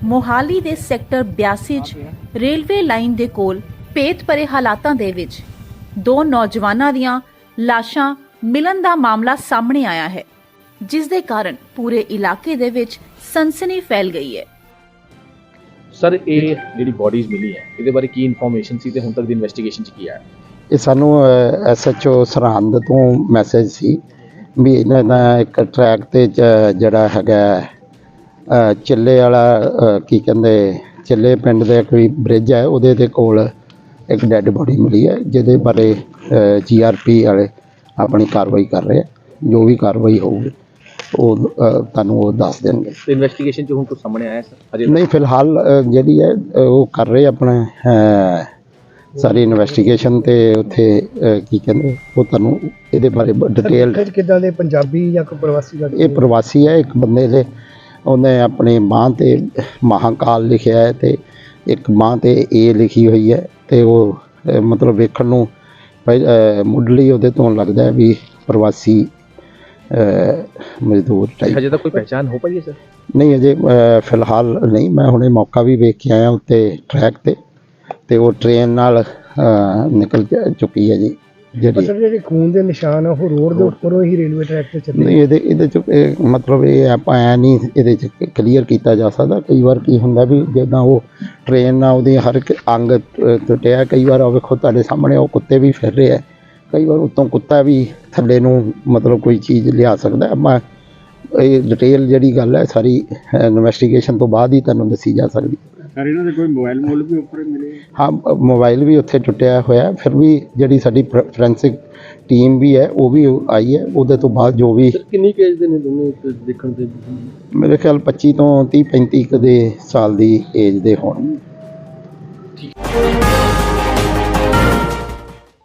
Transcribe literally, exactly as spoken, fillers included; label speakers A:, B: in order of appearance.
A: ਮੋਹਾਲੀ ਦੇ ਸੈਕਟਰ ਬਿਆਸੀ 'ਚ ਰੇਲਵੇ ਲਾਈਨ ਦੇ ਕੋਲ ਭੇਤ ਭਰੇ ਹਾਲਾਤਾਂ ਦੇ ਵਿੱਚ ਦੋ ਨੌਜਵਾਨਾਂ ਦੀਆਂ ਲਾਸ਼ਾਂ ਮਿਲਣ ਦਾ ਮਾਮਲਾ ਸਾਹਮਣੇ ਆਇਆ ਹੈ, ਜਿਸ ਦੇ ਕਾਰਨ ਪੂਰੇ ਇਲਾਕੇ ਦੇ ਵਿੱਚ ਸਨਸਨੀ ਫੈਲ ਗਈ ਹੈ।
B: ਸਰ, ਇਹ ਜਿਹੜੀ ਬੋਡੀਜ਼ ਮਿਲੀ ਹੈ ਇਹਦੇ ਬਾਰੇ ਕੀ ਇਨਫੋਰਮੇਸ਼ਨ ਸੀ ਤੇ ਹੁਣ ਤੱਕ ਦੀ ਇਨਵੈਸਟੀਗੇਸ਼ਨ 'ਚ ਕੀ ਆਇਆ?
C: ਇਹ ਸਾਨੂੰ ਐਸ ਐਚ ਓ ਸਰਹੰਦ ਤੋਂ ਮੈਸੇਜ ਸੀ ਵੀ ਇਹਨਾਂ ਦਾ ਇੱਕ ਟਰੈਕ ਤੇ ਜਿਹੜਾ ਹੈਗਾ ਚਿੱਲੇ ਵਾਲਾ ਕੀ ਕਹਿੰਦੇ ਚਿੱਲੇ ਪਿੰਡ ਦੇ ਕੋਈ ਬ੍ਰਿਜ ਹੈ, ਉਹਦੇ ਦੇ ਕੋਲ ਇੱਕ ਡੈੱਡ ਬੋਡੀ ਮਿਲੀ ਹੈ, ਜਿਹਦੇ ਬਾਰੇ ਜੀ ਆਰ ਪੀ ਵਾਲੇ ਆਪਣੀ ਕਾਰਵਾਈ ਕਰ ਰਹੇ ਆ। ਜੋ ਵੀ ਕਾਰਵਾਈ ਹੋਊਗੀ ਉਹ ਤੁਹਾਨੂੰ ਉਹ ਦੱਸ ਦੇਣਗੇ।
B: ਇਨਵੈਸਟੀਗੇਸ਼ਨ 'ਚ ਹੁਣ ਕੁਝ ਸਾਹਮਣੇ ਆਇਆ ਸਰ? ਅਜੇ
C: ਨਹੀਂ, ਫਿਲਹਾਲ ਜਿਹੜੀ ਹੈ ਉਹ ਕਰ ਰਹੇ ਆਪਣਾ ਸਾਰੀ ਇਨਵੈਸਟੀਗੇਸ਼ਨ ਤੇ ਉੱਥੇ ਕੀ ਕਹਿੰਦੇ ਉਹ ਤੁਹਾਨੂੰ ਇਹਦੇ ਬਾਰੇ ਡਿਟੇਲ।
D: ਕਿੱਦਾਂ ਦੇ ਪੰਜਾਬੀ ਜਾਂ ਕੋਈ ਪ੍ਰਵਾਸੀ?
C: ਇਹ ਪ੍ਰਵਾਸੀ ਹੈ। ਇੱਕ ਬੰਦੇ ਦੇ ਉਹਨੇ ਆਪਣੇ ਬਾਂਹ ਤੇ ਮਹਾਕਾਲ ਲਿਖਿਆ ਹੈ ਤੇ ਇੱਕ ਬਾਂਹ ਤੇ ਏ ਲਿਖੀ ਹੋਈ ਹੈ ਤੇ ਉਹ ਮਤਲਬ ਵੇਖਣ ਨੂੰ ਮੁੱਢਲੀ ਉਹਦੇ ਤੋਂ ਲੱਗਦਾ ਵੀ ਪ੍ਰਵਾਸੀ ਮਜ਼ਦੂਰ ਟਾਈਪ।
B: ਹਜੇ ਤੱਕ ਕੋਈ ਪਹਿਚਾਣ ਹੋ ਪਾਈ ਹੈ ਸਰ?
C: ਨਹੀਂ, ਅਜੇ ਫਿਲਹਾਲ ਨਹੀਂ। ਮੈਂ ਹੁਣੇ ਮੌਕਾ ਵੀ ਵੇਖ ਕੇ ਆਇਆ ਉੱਤੇ ਟਰੈਕ ਤੇ ਤੇ ਉਹ ਟ੍ਰੇਨ ਨਾਲ ਨਿਕਲ ਚੁੱਕੀ ਹੈ ਜੀ। ਜਿਹੜੀ
D: ਜਿਹੜੇ ਖੂਨ ਦੇ ਨਿਸ਼ਾਨ ਆ ਉਹ ਰੋਡ ਦੇ ਉੱਪਰੋਂ ਹੀ ਰੇਲਵੇ ਟਰੈਕ ਤੇ ਚੱਲੇ?
C: ਨਹੀਂ, ਇਹਦੇ ਇਹਦੇ 'ਚ ਮਤਲਬ ਇਹ ਆਪਾਂ ਐਂ ਨਹੀਂ ਇਹਦੇ 'ਚ ਕਲੀਅਰ ਕੀਤਾ ਜਾ ਸਕਦਾ। ਕਈ ਵਾਰ ਕੀ ਹੁੰਦਾ ਵੀ ਜਿੱਦਾਂ ਉਹ ਟ੍ਰੇਨ ਨਾਲ ਉਹਦੀ ਹਰ ਇੱਕ ਅੰਗ ਟੁੱਟਿਆ। ਕਈ ਵਾਰ ਉਹ ਵੇਖੋ ਤੁਹਾਡੇ ਸਾਹਮਣੇ ਉਹ ਕੁੱਤੇ ਵੀ ਫਿਰ ਰਹੇ ਆ। ਕਈ ਵਾਰ ਉੱਤੋਂ ਕੁੱਤਾ ਵੀ ਥੱਲੇ ਨੂੰ ਮਤਲਬ ਕੋਈ ਚੀਜ਼ ਲਿਆ ਸਕਦਾ। ਆਪਾਂ ਇਹ ਡਿਟੇਲ ਜਿਹੜੀ ਗੱਲ ਹੈ ਸਾਰੀ ਇਨਵੈਸਟੀਗੇਸ਼ਨ ਤੋਂ ਬਾਅਦ ਹੀ ਤੁਹਾਨੂੰ ਦੱਸੀ ਜਾ ਸਕਦੀ।
D: ਸਰ, ਇਹਨਾਂ ਦੇ ਕੋਈ ਮੋਬਾਈਲ ਮੋਲ ਵੀ ਉੱਪਰ ਮਿਲੇ?
C: ਹਾਂ, ਮੋਬਾਈਲ ਵੀ ਉੱਥੇ ਟੁੱਟਿਆ ਹੋਇਆ। ਫਿਰ ਵੀ ਜਿਹੜੀ ਸਾਡੀ ਫੋਰੈਂਸਿਕ ਟੀਮ ਵੀ ਹੈ ਉਹ ਵੀ ਆਈ ਹੈ। ਉਹਦੇ ਤੋਂ ਬਾਅਦ ਜੋ ਵੀ
D: ਕਿੰਨੀ ਏਜ ਦੇ ਨੇ ਦੋਨੇ ਦੇਖਣ ਤੇ?
C: ਮੇਰੇ ਖਿਆਲ ਪੱਚੀ ਤੋਂ ਤੀਹ ਪੈਂਤੀ ਕੁ ਦੇ ਸਾਲ ਦੀ ਏਜ ਦੇ ਹੋਣ।